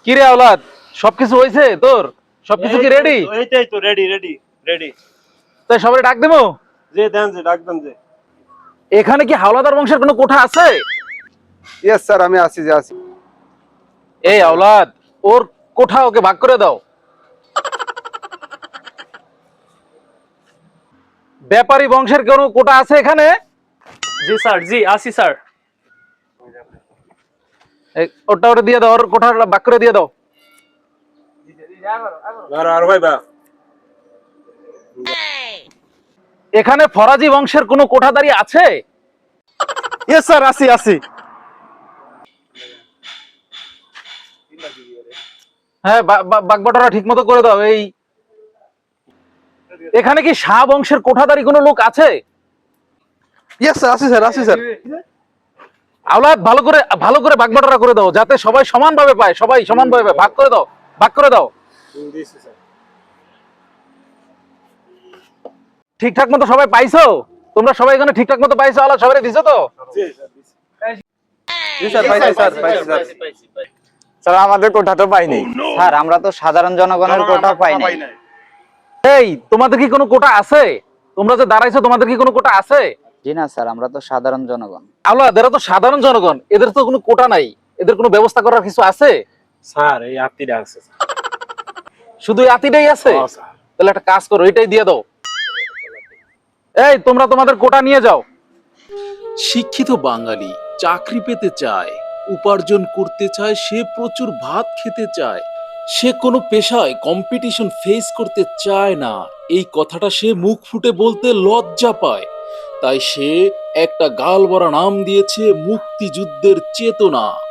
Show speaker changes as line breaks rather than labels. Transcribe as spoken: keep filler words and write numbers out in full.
কি রে আওলাদ, সবকিছু হয়েছে তোর? সবকিছু কি রেডি?
এইটাই তো রেডি রেডি রেডি।
তাই সবাই ডাক দেবো?
যে দেন যে ডাক দেন যে।
এখানে কি হাওলাদার বংশের কোনো কোঠা আছে?
ইয়েস স্যার, আমি আছি যে আছি।
এই আওলাদ, ওর কোঠা ওকে ভাগ করে দাও। ব্যাপারী বংশের কোনো কোঠা আছে এখানে?
জি স্যার, জি আসি স্যার।
এই, ওটা ওটা দিয়ে দাও, ওর কোঠাটা ভাগ করে দিয়ে দাও।
আর আর ভাই বা
এখানে ফরাজি বংশের কোনো কোঠাদারি আছে?
ইয়েস স্যার, আছি আছি।
হ্যাঁ, বাগবাটোরা ঠিক মতো করে দাও। এই এখানে কি শাহ বংশের কোঠাদারি কোনো লোক আছে?
ইয়েস স্যার, আছি স্যার, আছি স্যার।
আওলাদ, ভালো করে ভালো করে বাগবাটোরা করে দাও, যাতে সবাই সমানভাবে পায়। সবাই সমানভাবে ভাগ করে দাও, ভাগ করে দাও। ঠিকঠাক মতো সবাই পাইছো? তোমরা সবাই এখানে ঠিকঠাক মতো পাইছো? আওলাদ, সবাই দিছো তো?
জি স্যার, পাইছি স্যার, পাইছি স্যার।
স্যার আমাদের কোঠা তো পাইনি।
স্যার আমরা তো সাধারণ জনগণের কোটা পাই নাই।
এই, তোমাদের কি কোনো কোটা আছে? তোমরা যে দাঁড়াইছো, তোমাদের কি কোনো কোটা আছে?
জি না স্যার, আমরা তো সাধারণ জনগণ।
আওলাদ, এরা তো সাধারণ জনগণ, এদের তো কোনো কোটা নাই। এদের কোনো ব্যবস্থা করার কিছু আছে?
স্যার এই আত্মীয়টা আছে স্যার।
শুধু এই আতিটাই আছে?
হ্যাঁ, স্যার।
তাহলে একটা কাজ করো, এটাই দিয়ে দাও। এই, তোমরা তোমাদের কোটা নিয়ে যাও।
শিক্ষিত বাঙালি চাকরি পেতে চায়, উপার্জন করতে চায়, সে প্রচুর ভাত খেতে চায়, সে কোনো পেশায় কম্পিটিশন ফেস করতে চায় না। এই কথাটা সে মুখ ফুটে বলতে লজ্জা পায়। তাই সে একটা গাল ভরা নাম দিয়েছে মুক্তিযুদ্ধের চেতনা।